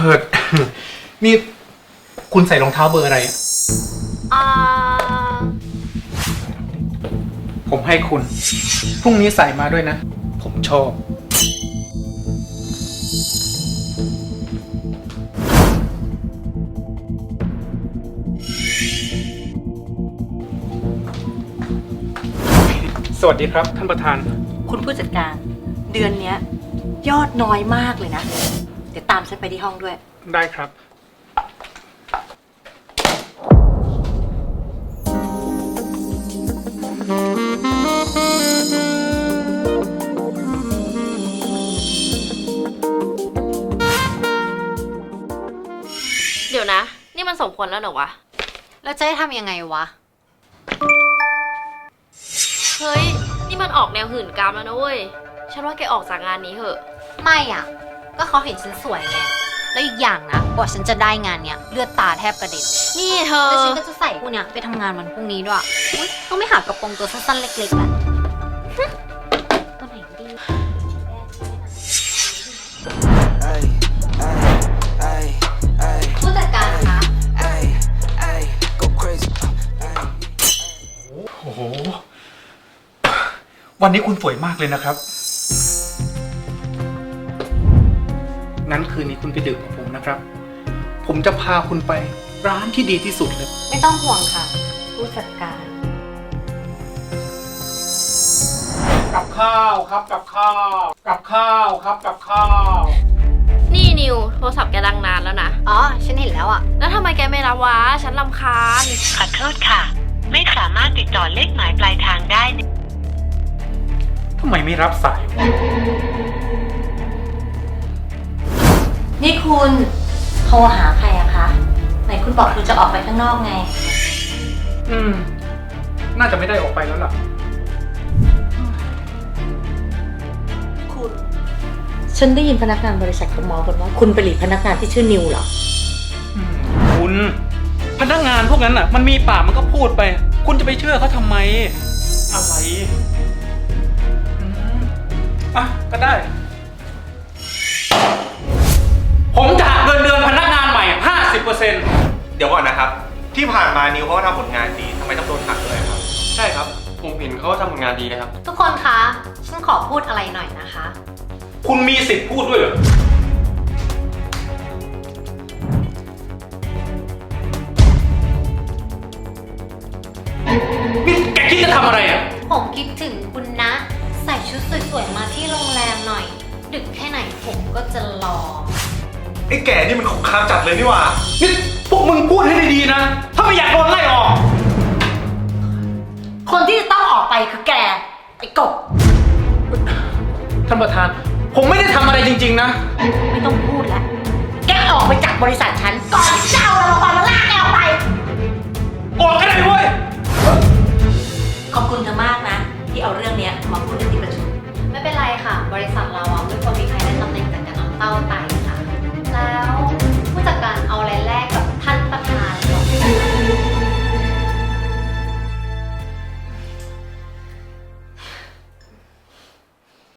อ นี่คุณใส่รองเท้าเบอร์อะไรอะอ่าผมให้คุณ พรุ่งนี้ใส่มาด้วยนะ ผมชอบ สวัสดีครับท่านประธานคุณผู้จัดการ เดือนเนี้ย ยอดน้อยมากเลยนะ เดี๋ยวตามฉันไปที่ห้องด้วยได้ครับเดี๋ยวนะ นี่มันสมควรแล้วเหรอวะแล้วจะให้ทำยังไงวะเฮ้ย นี่มันออกแนวหื่นกามแล้วนะเว้ย ฉันว่าแกออกจากงานนี้เถอะไม่อ่ะ ก็เขาเห็นฉันสวยไง แล้วอีกอย่างนะกว่าฉันจะได้งานเนี้ยเลือดตาแทบกระเด็นนี่เธอแล้วฉันก็จะใส่พวกเนี้ยไปทำงานวันพรุ่งนี้ด้วยอุ๊ยต้องไม่หากระโปรงตัวสั้นๆเล็กๆแหละตัวไหนดี ผู้จัดการคะโอ้โห วันนี้คุณสวยมากเลยนะครับ งั้นคืนนี้คุณไปดื่มกับผมนะครับ ผมจะพาคุณไปร้านที่ดีที่สุดเลยไม่ต้องห่วงค่ะ ผู้จัดการกับข้าวครับกับข้าว กับข้าวครับกับข้าวนี่นิว โทรศัพท์แกดังนานแล้วนะอ๋อ ฉันเห็นแล้วอ่ะแล้วทำไมแกไม่รับวะ ฉันรำคาญขอโทษค่ะ ไม่สามารถติดต่อเลขหมายปลายทางได้ทำไมไม่รับสายวะนี่คุณโทรหาใครอะคะ ไหนคุณบอกคุณจะออกไปข้างนอกไงน่าจะไม่ได้ออกไปแล้วล่ะคุณ ฉันได้ยินพนักงานบริษัทเขาเมากันว่า คุณไปหลีกพนักงานที่ชื่อนิวเหรอคุณพนักงานพวกนั้นอ่ะ มันมีปากมันก็พูดไป คุณจะไปเชื่อเขาทำไม อะไรอ่ะก็ได้ ผมจะหักเงินเดือนพนักงานใหม่ 50% เดี๋ยวก่อนนะครับ ที่ผ่านมานิวเขาก็ทำผลงานดีทำไมต้องโดนหักด้วยครับใช่ครับ ผมเห็นเขาทำผลงานดีนะครับทุกคนคะ ฉันขอพูดอะไรหน่อยนะคะคุณมีสิทธิ์พูดด้วยเหรอ นี่แกคิดจะทำอะไรอ่ะผมคิดถึงคุณนะ ใส่ชุดสวยๆมาที่โรงแรมหน่อย ดึกแค่ไหนผมก็จะรอไอ้แก่นี่มันคุกคามจัดเลยนี่หว่านี่พวกมึงพูดให้ดีๆนะ ถ้าไม่อยากโดนไล่ออกคนที่จะต้องออกไปคือแก ไอ้กบท่านประธาน ผมไม่ได้ทำอะไรจริงๆนะไม่ต้องพูดแล้ว แกออกไปจากบริษัทฉัน ก่อนที่จะเอาเรามาลากแกออกไปออกก็ได้เว้ยขอบคุณเธอมากนะ ที่เอาเรื่องเนี้ยมาพูดในที่ประชุมไม่เป็นไรค่ะ บริษัทเราอ่ะไม่